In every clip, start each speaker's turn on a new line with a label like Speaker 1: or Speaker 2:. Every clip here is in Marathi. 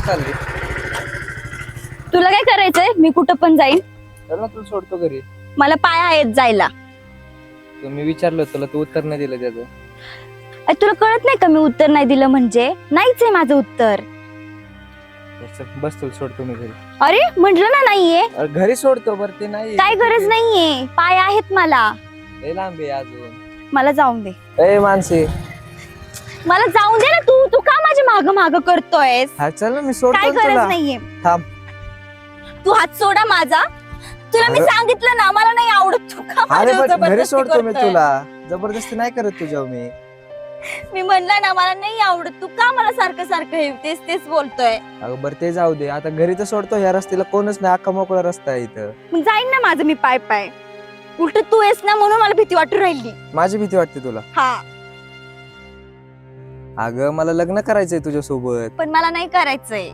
Speaker 1: चालली?
Speaker 2: तुला काय करायचंय? मी कुठं पण जाईन.
Speaker 1: चल ना, तुला सोडतो घरी.
Speaker 2: मला पाय आहेत जायला.
Speaker 1: मी विचारलं तुला, तू उत्तर नाही दिलं त्याचं.
Speaker 2: तुला कळत नाही का मी उत्तर नाही दिलं म्हणजे? नाहीच आहे माझं उत्तर.
Speaker 1: चल, बस तुला सोडतो मी घरी.
Speaker 2: अरे म्हंटल ना नाहीये.
Speaker 1: अरे घरी सोडतो बरं, ते नाही
Speaker 2: काय गरज नाहीये, पाय आहेत मला.
Speaker 1: लय लांब आहे अजून.
Speaker 2: मला जाऊन दे.
Speaker 1: ए मानसी,
Speaker 2: मला जाऊन दे ना. तू का माझ्या माग माग करतोयस?
Speaker 1: हा चल ना, मी
Speaker 2: काय
Speaker 1: सोडतो
Speaker 2: गरज
Speaker 1: तुला.
Speaker 2: नाहीये.
Speaker 1: थांब.
Speaker 2: तू हात सोडा माझा. तुला मी
Speaker 1: अरे-
Speaker 2: सांगितलं ना मला नाही आवडत. तू का
Speaker 1: अरे
Speaker 2: माझ्यावर
Speaker 1: पण घरी
Speaker 2: जबरदस्ती
Speaker 1: सोडतो मी
Speaker 2: करतोय?
Speaker 1: तुला. जबरदस्ती नाही करत तुझ्यावर मी.
Speaker 2: मी म्हणलं ना मला नाही आवडत. तू का मला सारखं सारखं हे तेच बोलतोय?
Speaker 1: अगं बरं ते जाऊ दे, आता घरी तर सोडतो. ह्या रस्त्याला कोणच नाही, अख्खा मोकळा रस्ता आहे इथं.
Speaker 2: मग जाईन ना माझं मी पाय पाय. उलट तू आहेस ना म्हणून मला भीती वाटू राहिली.
Speaker 1: माझी भीती वाटते तुला?
Speaker 2: हा,
Speaker 1: अगं मला लग्न करायचंय तुझ्या सोबत.
Speaker 2: पण मला नाही करायचंय.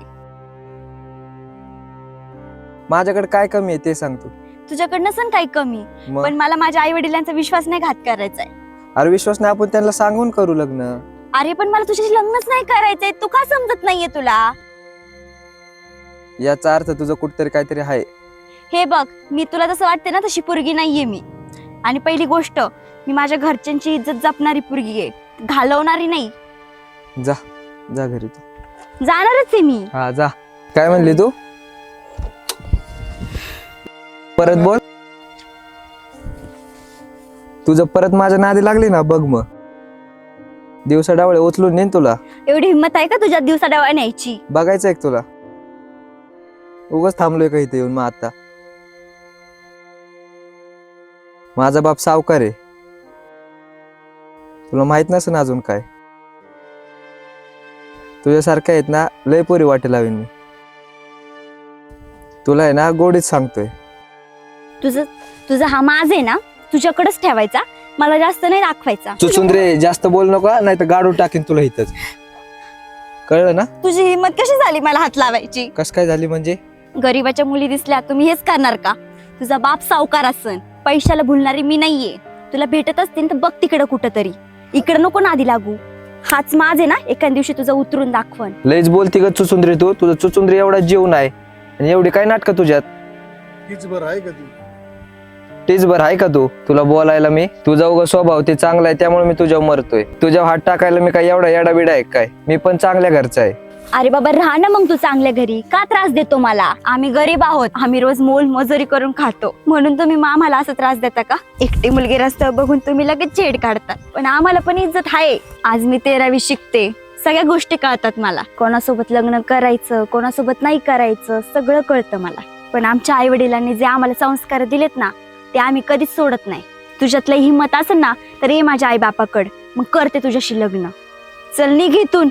Speaker 1: माझ्याकडे काय कमी आहे ते सांग तू.
Speaker 2: तुझ्याकडनं नसन काही कमी,
Speaker 1: मग
Speaker 2: पण मला माझ्या आई वडिलांचा विश्वास नाही घात करायचाय.
Speaker 1: अरे विश्वास नाही, आपण त्यांना सांगून करू लग्न.
Speaker 2: अरे पण मला तुझ्याशी लग्नच नाही करायचंय. तू का समजत नाहीये तुला?
Speaker 1: याचा अर्थ तुझं कुठतरी काहीतरी आहे.
Speaker 2: हे बघ, मी तुला जसं वाटते ना तशी पोरगी नाहीये मी. आणि पहिली गोष्ट, मी माझ्या घरच्यांची इज्जत जपणारी पोरगी आहे, घालवणारी नाही.
Speaker 1: जा जा घरी तू.
Speaker 2: जाणारच आहे मी.
Speaker 1: हा जा. काय म्हणली तू? परत बोल. तुझं परत माझ्या नादी लागली ना बघ, मग दिवसा डावळे उचलून नेन तुला.
Speaker 2: एवढी हिंमत आहे का तुझ्या दिवसा डावा न्यायची?
Speaker 1: बघायचं एक तुला. उगाच थांबलोय का इथे येऊन मग आता? माझा बाप सावकार आहे, तुला माहित नसेल अजून काय. तुझ्यासारख्या आहेत ना लय पोरी वाटे लावीन मी. तुला आहे ना गोडीच सांगतोय.
Speaker 2: तुझा हा माज आहे ना तुझ्याकडेच ठेवायचा, मला जास्त नाही दाखवायचा.
Speaker 1: चुचुंद्रे जास्त बोल नका, नाही तर गाडून टाकीन तुला इथंच. कळलं ना?
Speaker 2: तुझी हिंमत कशी झाली मला हात लावायची?
Speaker 1: कस काय झाली म्हणजे?
Speaker 2: गरीबाच्या मुली दिसल्या तुम्ही हेच करणार का? तुझा बाप सावकार असन, पैशाला भुलणारी मी नाहीये. तुला भेटत असतील तर बघ तिकडं कुठं तरी. इकडं नको नादी लागू. हाच माज आहे ना एका दिवशी तुझा उतरून दाखवन.
Speaker 1: लयच बोलती ग चुचुंद्रे तू. तुझं चुचुंद्रे एवढा जीव नाही आणि एवढी काय नाटक तुझ्यात.
Speaker 3: हीच बरं आहे का तू?
Speaker 1: तीच बरं आहे का तू? तुला बोलायला मी. तुझा उगा स्वभाव ते चांगला आहे त्यामुळे मी तुझ्यावर मरतोय. तुझ्यावर हात टाकायला मी काय एवढा येडा बिडा आहे काय? मी पण चांगल्या घरचा आहे.
Speaker 2: अरे बाबा राहा ना मग तू चांगल्या घरी. का त्रास देतो मला? आम्ही गरीब आहोत, आम्ही रोज मोल मजुरी करून खातो, म्हणून तुम्ही आम्हाला असं त्रास देता का? एकटी मुलगी रस्त्यावर बघून तुम्ही लगेच छेड काढतात, पण आम्हाला पण इज्जत आहे. आज मी 13वी शिकते, सगळ्या गोष्टी कळतात मला. कोणासोबत लग्न करायचं, कोणासोबत नाही करायचं, सगळं कळतं मला. पण आमच्या आई वडिलांनी जे आम्हाला संस्कार दिलेत ना ते आम्ही कधीच सोडत नाही. तुझ्यातलं हिंमत असेल ना तर ये माझ्या आई बापाकड, मग करते तुझ्याशी लग्न. चल निघ इथून.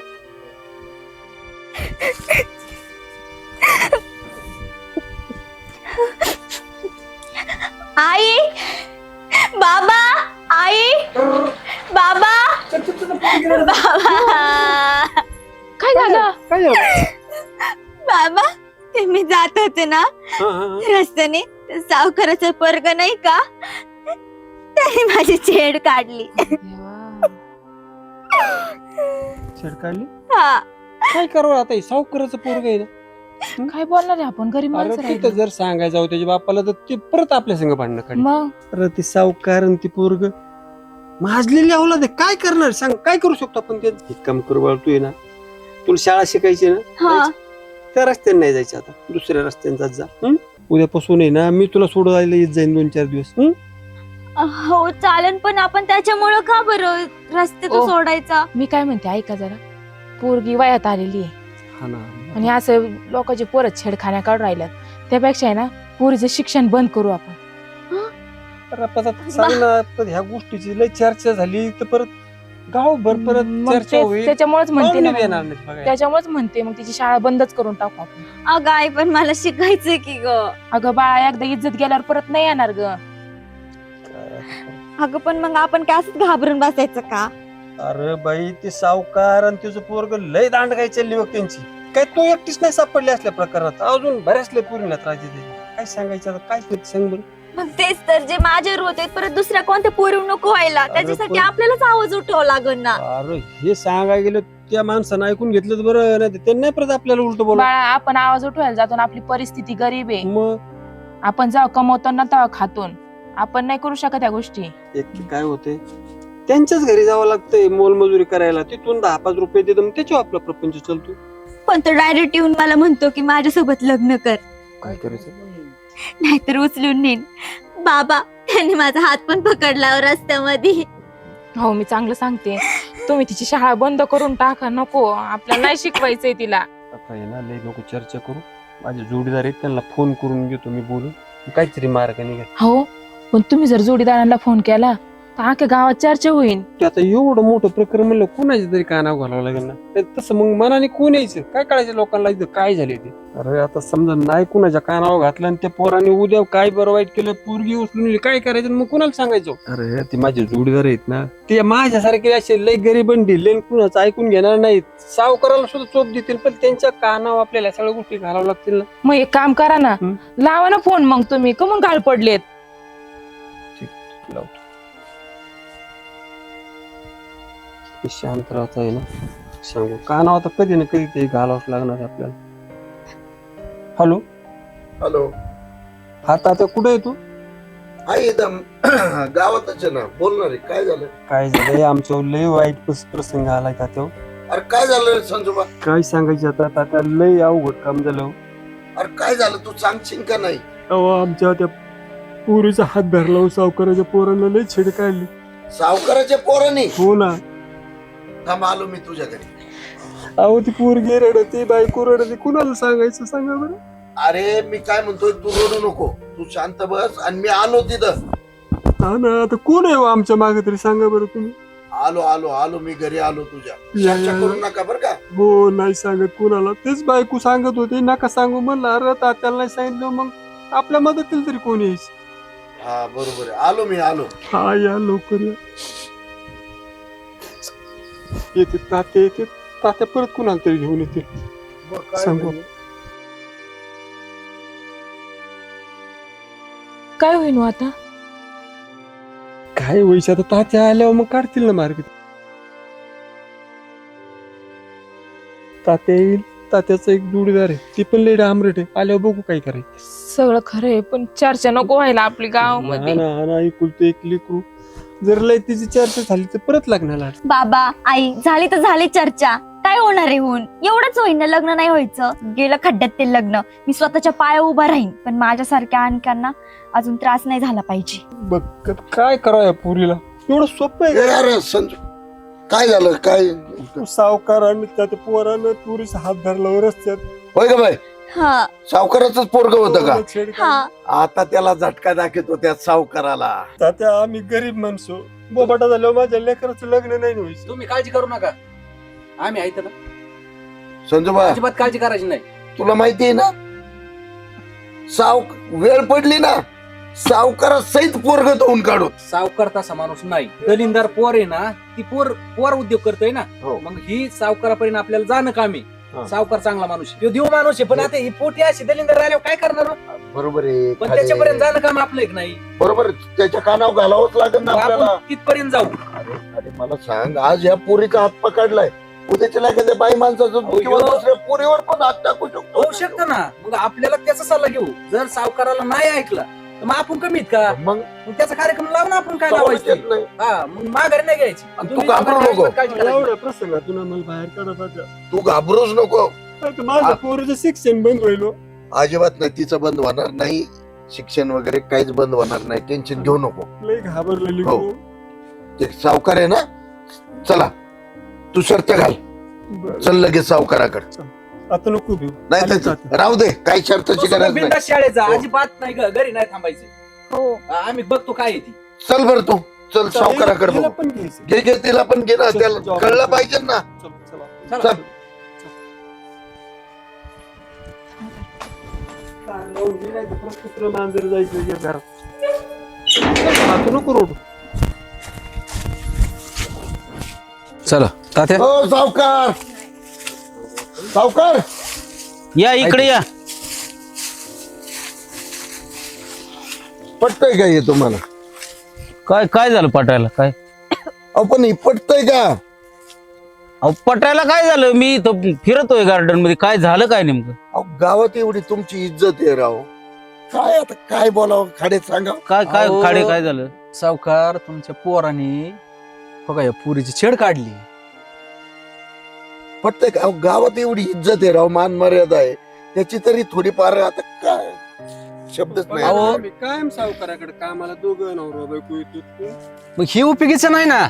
Speaker 2: आई, बाबा, आई, बाबा,
Speaker 4: काय झालं?
Speaker 3: काय झालं?
Speaker 2: बाबा, ते मी जात होते ना रस्त्याने, ते सावकाराचं पोरग नाही का, त्याने माझी छेड काढली.
Speaker 3: छेड काढली?
Speaker 2: हा,
Speaker 3: काय करावं आता? सावकाराचं पोरग आहे ना.
Speaker 4: काय बोलणार आहे आपण? गरीब
Speaker 3: अरे
Speaker 4: माणसं
Speaker 3: तिथं
Speaker 4: राहिलो.
Speaker 3: जर सांगायचं जाऊ त्याच्या बापाला तर ते परत आपल्या संग भांडणं काढ.
Speaker 4: मग
Speaker 3: अरे ते सावकार आणि ती पोरग माजलेली अवलाद आहे. काय करणार सांग? काय करू शकतो आपण? ते एक काम करू बाळा, तू आहे ना, तुला शाळा शिकायची ना,
Speaker 2: हा.
Speaker 3: त्या रस्त्याने नाही जायचं, आता दुसऱ्या रस्त्याने जात जा. उद्यापासून आहे ना मी तुला सोडवायला येत जाईन 2-4 दिवस.
Speaker 2: हो चालेल, पण आपण त्याच्यामुळं का बरं रस्त्यातून
Speaker 4: ओ.
Speaker 2: सोडायचा?
Speaker 4: मी काय म्हणते ऐका जरा, पोरगी वयात आलेली आहे
Speaker 3: हा ना.
Speaker 4: आणि असं लोकांचे पोरं छेडखान्या काढून राहिल्यात. त्यापेक्षा आहे ना पोरीचं शिक्षण बंद करू आपण.
Speaker 3: अरे आता सांग ना, पण ह्या गोष्टीची लय चर्चा झाली तर परत गावभर परत
Speaker 4: मग
Speaker 3: चर्चा होईल.
Speaker 4: त्याच्यामुळेच म्हणते ना
Speaker 3: पाहुणे येणार
Speaker 4: मग.
Speaker 3: नाहीत बघायला.
Speaker 4: त्याच्यामुळेच म्हणते मग तिची शाळा बंदच करून टाकू आपण.
Speaker 2: अगं आई, पण मला शिकायचंय की ग.
Speaker 4: अगं बाळा, एकदा इज्जत गेल्यावर परत नाही येणार ग.
Speaker 2: अगं पण मग आपण काय असंच घाबरून बसायचं का?
Speaker 3: अरे बाई, ते सावकार आणि तुझं पोरग लय दांड काय चालली बघ त्यांची. काय तू एकटीच नाही सापडली असल्या प्रकारात, अजून बऱ्याच लय पोरींना त्रास देते. काय सांगायचं आता? काय करते सांग बरं?
Speaker 2: मग तेच तर, जे माझ्यावर होते परत दुसऱ्या कोणत्या पोरी नको व्हायला, त्याच्यासाठी
Speaker 3: पण-
Speaker 2: आपल्यालाच आवाज उठवावा लागेल ना.
Speaker 3: अरे हे सांगायला गेलं त्या माणसानं ऐकून घेतलं तर बरं, नाही त्यांनी नाही परत आपल्याला उलट बोला.
Speaker 4: बाळा आपण आवाज उठवायला जातो ना, आपली परिस्थिती गरीब आहे.
Speaker 3: मग
Speaker 4: आपण जेव्हा कमवतो ना तेव्हा खातो. आपण नाही करू शकत या गोष्टी.
Speaker 3: एक काय होते, त्यांच्याच घरी जावं लागतंय मोलमजुरी करायला, तिथून 10-5 रुपये देतो, मग त्याच्यावर आपला प्रपंच चालतो.
Speaker 2: पण तो डायरेक्ट येऊन मला म्हणतो की माझ्यासोबत लग्न कर,
Speaker 3: काय करायचं?
Speaker 2: नाहीतर उचलून नेन. बाबा त्यांनी माझा हात पण पकडला रस्त्यामध्ये.
Speaker 4: हो मी चांगलं सांगते, तुम्ही तिची शाळा बंद करून टाका. नको, आपल्याला नाही शिकवायचंय तिला.
Speaker 3: आता आहे ना, लय नको चर्चा करू. माझे जोडीदार आहेत, त्यांना फोन करून घेतो मी बोलून, काहीतरी मार्ग निघेल.
Speaker 4: हो पण तुम्ही जर जोडीदारांना फोन केला तर अख्ख्या गावात चर्चा होईल.
Speaker 3: ते आता एवढं मोठं प्रकरण म्हणलं कुणाच्या तरी कानावर घालावं लागेल ना. नाही तसं मग मनाने कोण यायचं, काय कळायचं लोकांना इथं काय झाले ते. अरे आता समजा नाही कुणाच्या कानावर घातलं आणि त्या पोराने उद्या काय बरं वाईट केलं, पोरगी उचलून नेली, काय करायचं मग कुणाला सांगायचं? अरे ते माझे जोडीदार आहेत ना, ते माझ्यासारखे असे लय गरीबन ढिल्ले, कुणाचं ऐकून घेणार नाहीत. सावकाराला सुद्धा चोप देतील, पण त्यांच्या कानावर आपल्याला सगळ्या गोष्टी घालावं लागतील ना.
Speaker 4: मग एक काम करा ना, लावा ना फोन. मग तुम्ही कमून घाल पडलेत.
Speaker 3: लावतो. शांत राहता आहे ना, सांगू कानावर आता कधी ना कधी ते घालावंच लागणार आपल्याला. हॅलो
Speaker 5: हॅलो,
Speaker 3: हा तात्या कुठे आहे तू?
Speaker 5: आहे एकदम गावातच आहे ना. बोलणार आहे, काय झालं?
Speaker 3: काय झालंय, आमचं लय वाईट प्रसंग आलाय तात्या.
Speaker 5: अरे काय झालं रे संजोबा?
Speaker 3: काय सांगायचं आता तात्या, लय अवघड काम झालं.
Speaker 5: अरे काय झालं, तू सांगशील का नाही?
Speaker 3: अहो आमच्या त्या पोरीचा हात धरला, सावकाराच्या पोरांना लय छेड काढली.
Speaker 5: सावकाराच्या पोरांनी?
Speaker 3: हो ना.
Speaker 5: थांब आलो मी तुझ्या घरी.
Speaker 3: अहो ती पोरगी रडते, बायको रडते, कुणाला सांगायचं सांगा बरं.
Speaker 5: अरे मी काय म्हणतोय, तू रडू नको, तू शांत बस. आणि मी आलो तिथं.
Speaker 3: हा ना, आता कोण आहे हो आमच्या मागे तरी सांगा बरं तुम्ही.
Speaker 5: आलो आलो आलो मी घरी आलो तुझ्या.
Speaker 3: या,
Speaker 5: चर्चा
Speaker 3: या,
Speaker 5: करू
Speaker 3: या.
Speaker 5: नका बर का.
Speaker 3: हो नाही सांगत कुणाला, तेच बायको सांगत होती नका सांगू म्हणलं. अरे तात्याला नाही सांगितलं, मग आपल्या मदतीला तरी कोण यायचं.
Speaker 5: हा बरोबर आहे, आलो मी आलो.
Speaker 3: हा या लवकर या. येते तात्या, येते तात्या, परत कुणाला तरी घेऊन येतील.
Speaker 5: बरं, काय
Speaker 3: सांगू.
Speaker 5: म्हणे?
Speaker 4: काय होईल मग आता?
Speaker 3: काय व्हायचं आता, तात्या आल्यावर मग काढतील ना मार्ग. तात्या येईल, तात्याचा एक जोडीदार आहे, ती पण लेडी आमरेट आहे, आल्यावर बघू काय करायचं.
Speaker 4: सगळं खरंय पण चर्चा नको व्हायला आपली गावामध्ये.
Speaker 3: हा ना, ऐकुलते एक लेकरू. जर लय तिची चर्चा झाली तर परत लागणार.
Speaker 2: बाबा आई झाली तर झाली चर्चा, काय होणार आहे होऊन? एवढंच होईन ना, लग्न नाही व्हायचं. गेलं खड्ड्यात ते लग्न. मी स्वतःच्या पाया उभा राहीन, पण माझ्यासारख्या आणख्यांना अजून त्रास नाही झाला पाहिजे.
Speaker 3: बघ काय करावं या पुरीला, एवढं सोपं आहे
Speaker 5: ए,
Speaker 3: का?
Speaker 5: अरे संजू, काय झालं काय?
Speaker 3: सावकारांनी त्या पोरानं पुरीचा हात धरला रस्त्यात.
Speaker 5: होय का बाई?
Speaker 2: हा
Speaker 5: सावकाराच पोरग होतं का?
Speaker 3: छेड काढली.
Speaker 2: हा
Speaker 5: आता त्याला झटका दाखवतो त्या सावकाराला.
Speaker 3: तात्या आम्ही गरीब माणसं, बोबाटा झाल्यावर माझ्या लेकराचं लग्न नाही व्हायचं.
Speaker 6: तुम्ही काळजी करू नका, आम्ही आहेत ना.
Speaker 5: संजोबा
Speaker 6: अजिबात काळजी करायची नाही.
Speaker 5: तुला माहिती आहे ना, वेळ पडली ना, सावकारा सहित पोरग धुवून काढू.
Speaker 6: सावकार तसा माणूस नाही. दलिंदार पोर आहे ना, ती पोर उद्योग करतोय ना.
Speaker 5: हो.
Speaker 6: मग ही सावकारापर्यंत आपल्याला जाणं कामी.
Speaker 3: हा.
Speaker 6: सावकार चांगला माणूस आहे, तो देव माणूस आहे. पण आता ही पोटी अशी दलिंदार आल्यावर काय करणार हो?
Speaker 5: बरोबर आहे,
Speaker 6: पण
Speaker 5: खरे.
Speaker 6: त्याच्यापर्यंत जाणं काम आपलं एक नाही.
Speaker 5: बरोबर आहे. त्याच्या कानावर घालावंच लागेल ना आपल्याला.
Speaker 6: आपण तिथपर्यंत जाऊ.
Speaker 5: अरे मला सांग, आज या पोरीचा हात पकडलाय, उद्याच्या एखाद्या बाई माणसाचं किंवा दुसऱ्या पोरीवर पण हात टाकू शकतो.
Speaker 6: होऊ शकतं ना. मग आपल्याला त्याचा सल्ला घेऊ. जर सावकाराला नाही ऐकला तर मग आपण कमीत का?
Speaker 5: मग
Speaker 6: मग त्याचा कार्यक्रम लावून आपण काय
Speaker 5: समजत
Speaker 6: लावायचं?
Speaker 5: नाही.
Speaker 6: हा, मग माघारी नाही घ्यायची.
Speaker 5: आणि तू
Speaker 6: तुम्ही
Speaker 5: घाबरू
Speaker 6: अजिबात
Speaker 5: नको.
Speaker 6: काळजी करायची नाही.
Speaker 3: एवढ्या प्रसंगातून आम्हाला बाहेर काढा तात्या.
Speaker 5: तू घाबरूच नको.
Speaker 3: आता माझ्या पोरीचं शिक्षण बंद होईल.
Speaker 5: अजिबात नाही, तिचं बंद होणार नाही. शिक्षण वगैरे काहीच बंद होणार नाही, टेन्शन घेऊ नको.
Speaker 3: लय घाबरलेली.
Speaker 5: हो. ते सावकार आहे ना, चला तू शर्त घाल, चल लगेच सावकाराकडे.
Speaker 3: आता नको घेऊ.
Speaker 5: नाही तर राहू दे, काही शर्तची
Speaker 6: तू
Speaker 5: गरज नाही.
Speaker 6: बिनधास्त शाळेत जा,
Speaker 5: हो.
Speaker 6: अजिबात नाही घरी नाही थांबायचं.
Speaker 2: हो
Speaker 6: आम्ही बघतो काय आहे ती.
Speaker 5: चल बर तू, चल सावकाराकडे
Speaker 3: तिला
Speaker 5: बघू.
Speaker 3: पण घ्यायचं.
Speaker 5: घे घे, तिला पण घे ना,
Speaker 3: चल,
Speaker 5: त्याला
Speaker 3: जाऊ.
Speaker 5: कळलं पाहिजे ना.
Speaker 3: चल, चला.
Speaker 6: चला.
Speaker 5: चल.
Speaker 3: कुत्रं मांजर जायचं या घरात. आता नको रोड.
Speaker 7: चला तात्या
Speaker 5: हो सावकार, सावकार
Speaker 7: या इकडे या.
Speaker 5: पटतंय का हे तुम्हाला?
Speaker 7: काय काय झालं पटायला काय?
Speaker 5: अहो पण हे पटतंय का?
Speaker 7: अहो पटायला काय झालं? मी इथं फिरतोय गार्डन मध्ये, काय झालं काय नेमकं?
Speaker 5: अहो, गावात एवढी तुमची इज्जत आहे राव. काय आता काय बोलावं खाडे सांगा.
Speaker 7: काय काय
Speaker 6: अहो.
Speaker 7: खाडे काय झालं?
Speaker 6: सावकार तुमच्या पोराने बघा या पुरीची छेड काढली.
Speaker 5: पटतंय का? अहो, गावात एवढी इज्जत आहे राव, मान मर्यादा आहे त्याची तरी थोडीफार आता काय शब्दच नाही.
Speaker 6: अहो.
Speaker 3: मी कायम सावकाराकडे कामाला दोघं नवरा बायको येतो.
Speaker 6: मग हे उपयोगीचं नाही ना.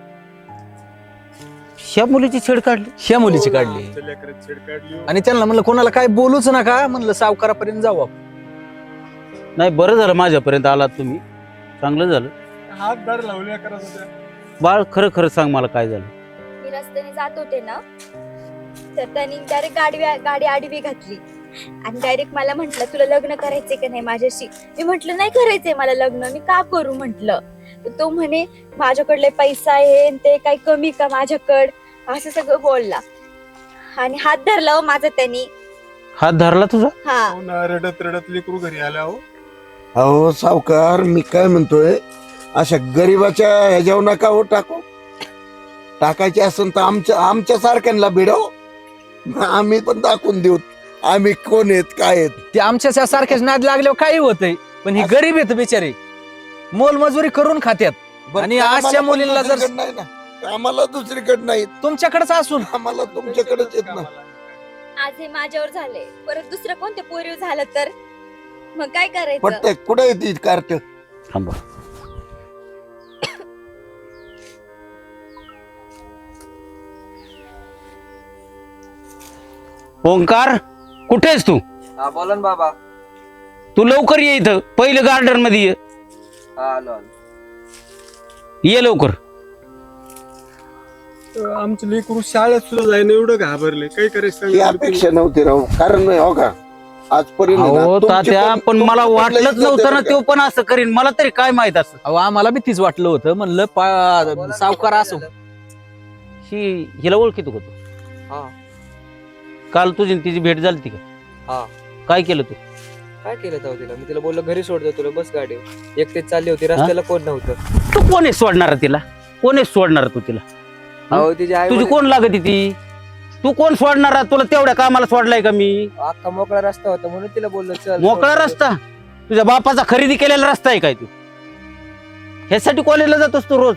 Speaker 7: ह्या मुलीची छेड काढली?
Speaker 6: ह्या मुलीची काढली
Speaker 3: छेड काढली.
Speaker 6: आणि त्यांना म्हणलं कोणाला काय बोलूच नका, म्हणलं सावकारापर्यंत जाऊ आपण.
Speaker 7: नाही, बरं झालं माझ्यापर्यंत आलात तुम्ही, चांगलं झालं.
Speaker 3: हात दार लावल्या करत होत्या.
Speaker 7: बाळ खरं खरं सांग मला काय झालं.
Speaker 2: मी रस्त्याने जात होते ना, तर त्यांनी डायरेक्ट गाडी आडवी घातली आणि डायरेक्ट मला म्हंटल तुला लग्न करायचंय का नाही माझ्याशी. मी म्हंटल नाही करायचंय मला लग्न, मी का करू म्हंटल. तो म्हणे माझ्याकडले पैसा आहे आणि ते काही कमी का माझ्याकड, असं सगळं बोलला आणि हात धरला हो माझा त्यांनी.
Speaker 7: हात धरला तुझा?
Speaker 2: हा.
Speaker 3: रडत रडत लेकरू घरी आल्या. हो
Speaker 5: अहो सावकार, मी काय म्हणतोय, अशा गरीबाच्या ह्याच्यावर नका हो टाकू. टाकायचे असेल तर आमच्या सारख्यांना भिडव, आम्ही पण दाखवून देऊ आम्ही कोण आहेत काय आहेत.
Speaker 6: ते आमच्या सारख्याच नाद लागल्यावर काही होतंय, पण ही गरीब आहेत बिचारे, मोलमजुरी करून खात्यात. आणि
Speaker 5: आम्हाला
Speaker 6: अशा
Speaker 5: पण
Speaker 6: मुलींना जर
Speaker 5: दुसरीकडे नाही ना, आम्हाला दुसरीकडे नाही,
Speaker 6: तुमच्याकडेच असून
Speaker 5: आम्हाला तुमच्याकडेच येत ना.
Speaker 2: आज हे माझ्यावर झाले, परत दुसरं कोणत्या पोरीवर झालं तर मग काय करायचं.
Speaker 5: पटतंय कुठे येते कार्ट.
Speaker 7: थांबा. ओंकार, कुठेस तू?
Speaker 1: हा बोला ना बाबा.
Speaker 7: तू लवकर ये इथं, पहिलं गार्डन मध्ये ये.
Speaker 1: हा आलो आलो.
Speaker 7: ये लवकर.
Speaker 3: आमचं लेकरू शाळेत सुद्धा जायला एवढं घाबरले, काही
Speaker 5: ही
Speaker 3: करायचं
Speaker 5: अपेक्षा नव्हती राहू, कारण नाही हो का आजपर्यंत आहे ना,
Speaker 7: अहो
Speaker 5: तुमची
Speaker 7: तात्या, पण मला
Speaker 5: तुमची
Speaker 7: वाटलंच
Speaker 5: इज्जत
Speaker 7: नव्हतं ना
Speaker 5: आहे
Speaker 7: तो पण असं करीन. मला तरी काय माहित असं.
Speaker 6: अहो आम्हाला बी तीच वाटलं होतं, म्हणलं सावकार असो.
Speaker 7: हिला ओळखीतो का तू?
Speaker 1: हा.
Speaker 7: काल तुझी आणि तिची भेट झाली ती का?
Speaker 1: हा.
Speaker 7: काय केलं तू?
Speaker 1: काय केलं जाऊ तिला? मी तिला बोललो घरी सोडतो तुला, बस गाडीवर. एकटेच चालली होती, रस्त्याला कोण नव्हतं.
Speaker 7: तू कोण आहे सोडणार तिला? कोण आहे सोडणार तू तिला?
Speaker 1: अहो तिची आई
Speaker 7: तुझी कोण लागत ती? तू कोण सोडणार? तुला तेवढ्या कामाला सोडलाय का मी?
Speaker 1: अख्खा मोकळा रस्ता होता म्हणून तिला बोललो चल.
Speaker 7: मोकळा रस्ता? तुझ्या बापाचा खरेदी केलेला रस्ता आहे काय तू? ह्यासाठी कॉलेजला जातोस तू रोज?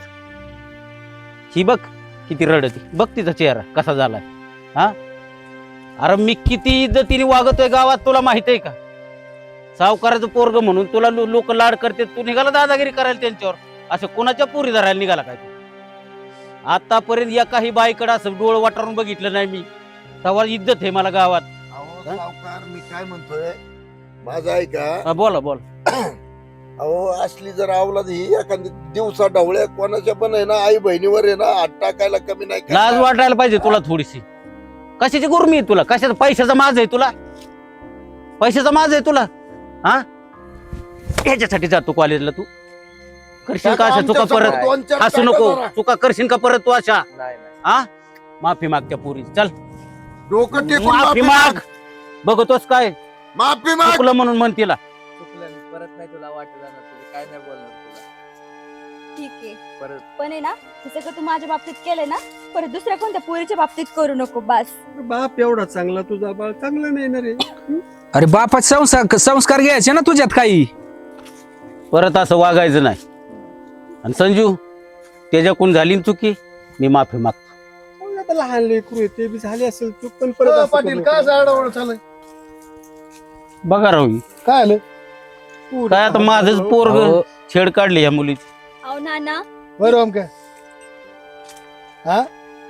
Speaker 7: ही बघ किती रडती, बघ तिचा चेहरा कसा झालाय. हा, अरे मी किती इज्जतीने वागतोय गावात, तुला माहित आहे का? सावकाराचं पोरग म्हणून तुला लोक लाड करते, तू निघाला दादागिरी करायला त्यांच्यावर. असं कोणाच्या पोरी धरायला निघाला काय तू? आतापर्यंत एकाही बाईकडे असं डोळ वाटारून बघितलं नाही मी. तेव्हा इज्जत आहे मला गावात.
Speaker 5: अहो सावकार, मी काय म्हणतोय, माझा ऐका.
Speaker 7: हा, बोला बोला.
Speaker 5: अहो असली जर आवलाद ही एखादी दिवसा ढवळ्या कोणाच्या पण आहे ना, आई बहिणीवर आहे ना हात टाकायला कमी नाही करणार.
Speaker 7: लाज वाटायला पाहिजे तुला थोडीशी. कशाची गुरमी आहे तुला? कशाचा? पैशाचा माज आहे तुला? पैशाचा माज आहे तुला? हा, ह्याच्यासाठी जातो कॉलेजला तू? करशील का अशा चुका परत?
Speaker 5: दोन चार
Speaker 7: हसू
Speaker 5: टाका
Speaker 7: नको.
Speaker 5: जरा.
Speaker 7: चुका करशील का परत तू अशा?
Speaker 1: नाही नाही.
Speaker 7: हा, माफी माग त्या पोरी. चल
Speaker 5: डोकं टेकून
Speaker 7: माफी माग. बघतोस काय
Speaker 5: माफी माग.
Speaker 7: चुकलं म्हणून म्हण तिला.
Speaker 1: चुकलं मी, परत नाही तुला वाटत जाणार, तुला काय नाही बोलणार तुला
Speaker 2: ठीक आहे,
Speaker 1: परत.
Speaker 2: पण आहे ना हे सगळं तू माझ्या बाबतीत केलंय ना, परत दुसऱ्या कोणत्या पोरीच्या बाबतीत करू नको बस.
Speaker 3: बाप एवढा चांगला, तुझा बाळ चांगला नाही ना रे.
Speaker 6: अरे बापाचे संस्कार घ्यायचे ना तुझ्यात काही.
Speaker 7: परत असं वागायचं नाही. आणि संजू, त्याच्याकडून झाली ना चुकी, मी माफी मागतो.
Speaker 3: मग आता लहान लेकरू आहे, ते बी झाले असेल चूक, पण परत असं
Speaker 5: पाटील
Speaker 3: करू
Speaker 5: काय
Speaker 3: नको.
Speaker 5: आडवड चालय,
Speaker 7: बघा राहू,
Speaker 5: काय आलं
Speaker 7: काय आता माझंच पोरग
Speaker 6: अहो,
Speaker 7: छेड काढली या मुलीची.
Speaker 2: अहो नाना,
Speaker 8: बरं काय हा,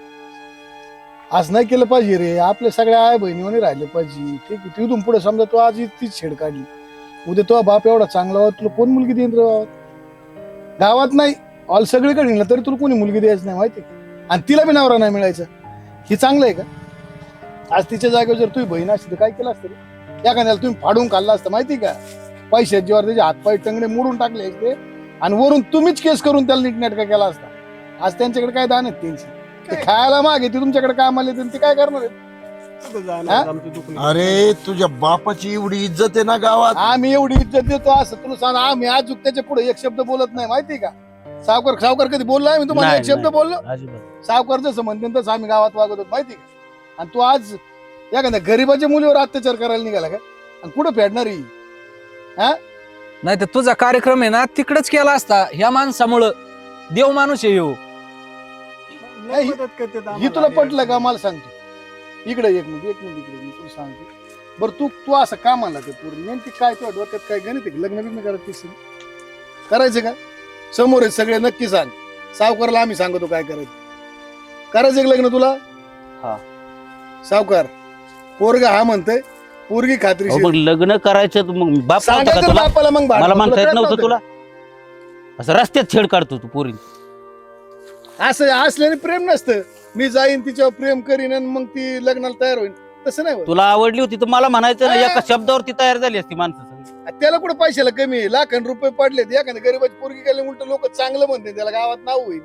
Speaker 8: असं नाही केलं पाहिजे रे. आपल्या सगळ्या आई बहिणीने राहिले पाहिजे. ठीक आहे, तिथून पुढे समजा तू आज तीच छेड काढली, उद्या तो बाप एवढा चांगला होता, तुला कोण मुलगी देईन रे गावात नाही, ऑल सगळीकडे हिंडलं तरी तुला कोणी मुलगी द्यायची नाही, माहिती. आणि तिला बी नवरा नाही मिळायचा. ही चांगलं आहे का? आज तिच्या जागेवर जर तुम्ही बहीण असती तर काय केलं असतं रे? एखाद्याला तुम्ही फाडून खाल्ला असतं, माहिती का? पैशात जेव्हा त्याचे हातपाय टंगडे मोडून टाकले असते आणि वरून तुम्हीच केस करून त्याला नीटनेटका केला असता. आज त्यांच्याकडे काय दान आहेत त्यांची? ते खायला मागे ते तुमच्याकडे कामाला येते, ते काय करणार आहेत?
Speaker 3: कुठं जाणार आमचं दुःख नाही.
Speaker 5: अरे तुझ्या बापाची एवढी इज्जत आहे ना गावात.
Speaker 8: आम्ही एवढी इज्जत देतो असं तुला सांग, आम्ही आज त्याच्या पुढे एक शब्द बोलत नाही, माहिती का? सावकार सावकार कधी बोलला मी तुम्हाला
Speaker 7: नाही,
Speaker 8: एक शब्द
Speaker 7: नाही.
Speaker 8: बोललो
Speaker 7: अजिबात.
Speaker 8: सावकार जसं म्हणते तसं आम्ही गावात वागत होतो माहिती का? आणि तू आज एखाद्या गरीबाच्या मुलीवर अत्याचार करायला निघाला का? आणि कुठं फेडणार ही?
Speaker 6: नाही तर तुझा कार्यक्रम आहे ना तिकडेच केला असता. ह्या माणसामुळं देव माणूस आहे ह्यो.
Speaker 8: नाही,
Speaker 3: मदत करते तर
Speaker 8: ही
Speaker 3: आम्हाला
Speaker 8: तुला
Speaker 3: आधी.
Speaker 8: पटलं का मला सांगतो इकडे एक मिनिट इकडे मी तुला सांगतो. बरं तू तू असं का म्हणला ते पूर्ण नेमकी काय तुझ्या डोक्यात काय गणित आहे? लग्न बिग्न करायचं का? समोर आहे सगळे नक्की सांग. सावकारला आम्ही सांगतो काय करायचं का लग्न तुला?
Speaker 1: हा.
Speaker 8: सावकार पोरगा हा म्हणतोय पोरगी
Speaker 7: अहो,
Speaker 8: खात्री
Speaker 7: मग लग्न करायचं तर मग बाप नव्हता का
Speaker 8: सांगायचं
Speaker 7: तुला?
Speaker 8: बापाला मग भांडण.
Speaker 7: मला म्हणता
Speaker 8: तुला
Speaker 7: येत
Speaker 8: कळत
Speaker 7: नव्हतं तुला? असं रस्त्यात छेड काढतो तू पोरी.
Speaker 8: असं असल्याने प्रेम नसतं. मी जाईन तिच्यावर प्रेम करीन आणि मग ती लग्नाला तयार होईल तसं नाही होत.
Speaker 7: तुला आवडली होती तर मला म्हणायचं ना, एका शब्दावरती तयार झाली असती माणसं सगळी.
Speaker 8: त्याला कुठे पैशाला कमी आहे? लाखां रुपये पडले एखाद्या गरीबाची पोरगी गेले उलट लोक चांगलं म्हणते त्याला गावात नाव होईल.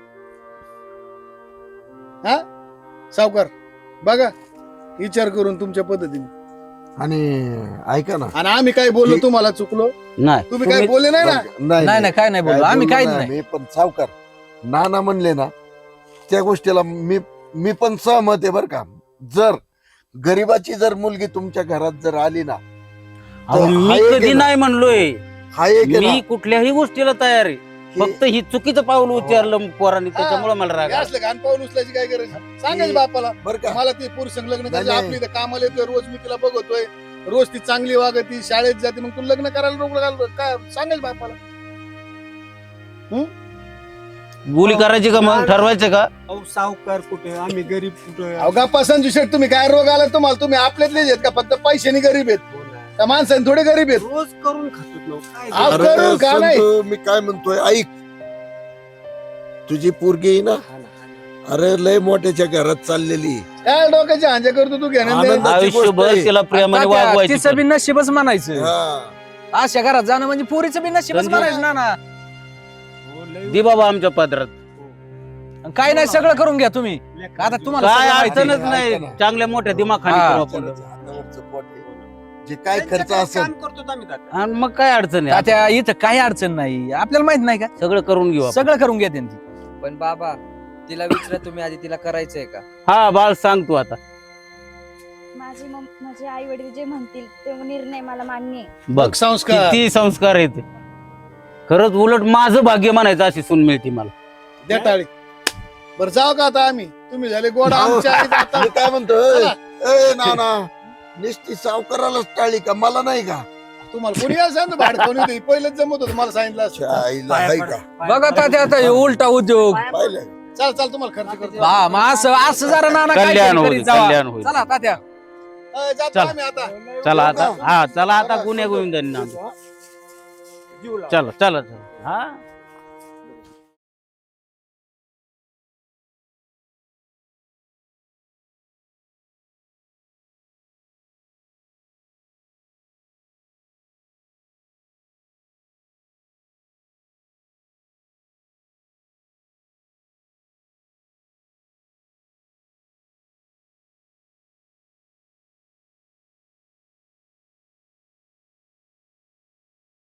Speaker 8: हा सावकार बघा विचार करून तुमच्या पद्धतीने.
Speaker 5: आणि ऐका ना
Speaker 8: आणि आम्ही काय बोललो तुम्हाला चुकलो?
Speaker 7: नाही
Speaker 8: तुम्ही काय बोलले नाही ना?
Speaker 6: नाही नाही काय नाही बोललो आम्ही काहीच नाही.
Speaker 5: मी पण सावकार नाना म्हणले ना त्या गोष्टीला मी पण सहमत आहे बर का. जर गरीबाची जर मुलगी तुमच्या घरात जर आली ना
Speaker 7: अहो,
Speaker 5: हा
Speaker 7: मी
Speaker 5: एक
Speaker 7: कधी
Speaker 5: आहे ना.
Speaker 7: नाही म्हणलोय.
Speaker 5: हा एक आहे ना,
Speaker 7: मी कुठल्याही गोष्टीला तयार आहे.
Speaker 5: की
Speaker 7: फक्त ही चुकीचं पाऊल उचललं पोरांनी त्याच्यामुळे मला राग
Speaker 8: हे
Speaker 7: आला.
Speaker 8: असलं घाण पाऊल उचलायची काय गरज? सांगायचं बापाला
Speaker 5: बर का
Speaker 8: मला ती पुरुष संग लग्न करायचं.
Speaker 5: नाही,
Speaker 8: आपली इथं कामाला येतोय रोज मी तिला बघतोय रोज ती चांगली वागती शाळेत जाते मग तू लग्न करायला रोकलं घाल काय सांगायचं बापाला?
Speaker 7: बोली करायची का मग ठरवायचं का?
Speaker 3: अहो, सावकार कुठे आम्ही गरीब कुठे
Speaker 8: अवघा पसंत शेट तुम्ही काय रोग आला तुम्हाला? तुम्ही आपल्यातलेच आहेत का? फक्त पैशाने गरीब आहेत त्या माणसाने थोडे गरीब आहेत.
Speaker 3: रोज करून खातो ना. काय
Speaker 8: अहो,
Speaker 3: झालं?
Speaker 5: अरे
Speaker 8: करू का नाही?
Speaker 5: संतू, मी काय म्हणतोय ऐक तुझी पोरगी आहे ना
Speaker 3: हा ना, हा ना.
Speaker 5: अरे लय मोठ्याच्या घरात चाललेली
Speaker 8: काय डोक्याची हांजा करतो तू घेणं
Speaker 5: आनंद-
Speaker 8: देणं?
Speaker 7: आयुष्यभर
Speaker 5: गोष्ट आहे.
Speaker 7: तिला प्रेमाने
Speaker 6: तात्या,
Speaker 7: वागवायची.
Speaker 6: तिचं बी नशीबच म्हणायचं.
Speaker 5: हा.
Speaker 6: अशा घरात जाणं म्हणजे पोरीचं बी नशीबच
Speaker 7: धंदे-
Speaker 6: म्हणायचं ना ना.
Speaker 3: हो, लय
Speaker 7: दे बाबा आमच्या पदरात.
Speaker 6: काय नाही सगळं करून घ्या तुम्ही. आता तुम्हाला
Speaker 7: काय
Speaker 6: सगळं माहिती आहे.
Speaker 7: अडचणच नाही.
Speaker 5: ऐका ना.
Speaker 7: चांगल्या मोठ्या दिमाखाने
Speaker 6: हा.
Speaker 7: करू आपण.
Speaker 5: हातावरचं पोट आहे. जे काय खर्च
Speaker 3: त्यांच्याकडे
Speaker 5: असेल
Speaker 3: काम करतो आम्ही तात्या.
Speaker 7: आणि मग काय अडचण आहे?
Speaker 6: तात्या इथं काही अडचण नाही आपल्याला माहित नाही का?
Speaker 7: सगळं करून घेऊ आपण.
Speaker 6: सगळं करून घ्या त्यांची.
Speaker 1: पण बाबा तिला विचारा तुम्ही आधी तिला करायचंय का?
Speaker 7: हा बाळ सांग तू आता.
Speaker 2: माझे आई वडील जे म्हणतील ते निर्णय मला मान्य आहे.
Speaker 7: बघ
Speaker 8: संस्कार
Speaker 7: किती संस्कार येते. खरंच उलट माझं भाग्य म्हणायचं अशी सून मिळते मला.
Speaker 8: द्या टाळी. बरं जाऊ का आता आम्ही? तुम्ही झाले गोड
Speaker 5: जाऊ.
Speaker 8: आमच्या आईत आता.
Speaker 5: मी काय म्हणतोय
Speaker 8: चला.
Speaker 5: ए नाना निस्ती सावकारालाच टाळी का मला नाही का?
Speaker 8: तुम्हाला कोणी असं सांगतो भाडकोणी होती पहिलेच जमत होतं मला सांगितलं असतं.
Speaker 5: आईला आहे का?
Speaker 6: बघा तात्या आता हे उलटा उद्योग.
Speaker 5: पाहिलं
Speaker 8: चल चल तुम्हाला खर्च करतो.
Speaker 6: हा मग असं जरा नाना
Speaker 7: कल्याण
Speaker 6: काहीतरी
Speaker 7: होईल,
Speaker 6: करीत जावा.
Speaker 7: कल्याण होईल.
Speaker 6: चला तात्या
Speaker 8: जातो
Speaker 7: चल.
Speaker 8: आम्ही आता.
Speaker 7: चला आता. हा चला आता गुन्हे गोविंदांना.
Speaker 3: जीव लावा.
Speaker 7: चला चला चला. हा